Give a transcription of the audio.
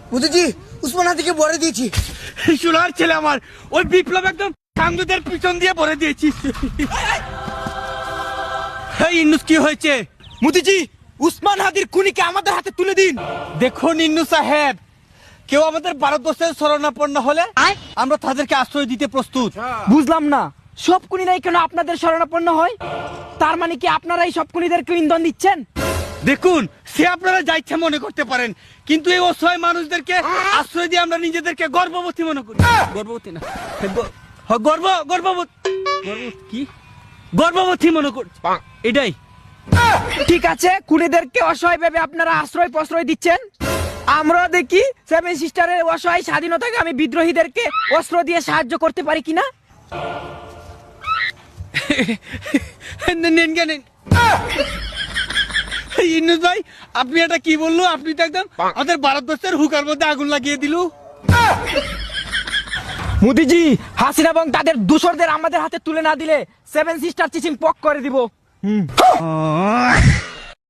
মোদিজি উসমান হাদিকে ভরে দিয়েছি। সোনার ছেলে আমার, ওই বিপ্লব একদম সাংসদের পিছন দিয়ে ভরে দিয়েছি। ইন্নুস কি হয়েছে? মোদিজি উসমান হাদির খুনিকে আমাদের হাতে তুলে দিন। দেখুন ইন্নু সাহেব, কেউ আমাদের ভারতবর্ষের শরণাপন্ন হলে আমরা তাদেরকে আশ্রয় দিতে প্রস্তুত। বুঝলাম না, সব খুনিরাই কেন আপনাদের শরণাপন্ন হয়? তার মানে কি আপনারাই সব খুনিদেরকে ইন্ধন দিচ্ছেন? দেখুন, সে আপনারা যা ইচ্ছা মনে করতে পারেন, কিন্তু এই অসহায় মানুষদেরকে আশ্রয় দিয়ে আমরা নিজেদেরকে গর্ভবতী মনে করি। গর্ভবতী না, গর্ভবতী মনে করি, এটাই। ঠিক আছে, খুনিদেরকে অসহায় ভেবে আপনারা আশ্রয় প্রশ্রয় দিচ্ছেন। আমরা দেখি সেভেন সিস্টারের অসহায় স্বাধীনতাকে আমি বিদ্রোহীদেরকে অস্ত্র দিয়ে সাহায্য করতে পারি কিনা। নেন জ্ঞান ইন্নুস ভাই, আপনি এটা কি বললো? আপনি তো একদম আমাদের ভারতবর্ষের হুকার মধ্যে আগুন লাগিয়ে দিল। মোদিজি, হাসিনা এবং তাদের দূষরদের আমাদের হাতে তুলে না দিলে সেভেন সিস্টার চিচিং পক করে দিব।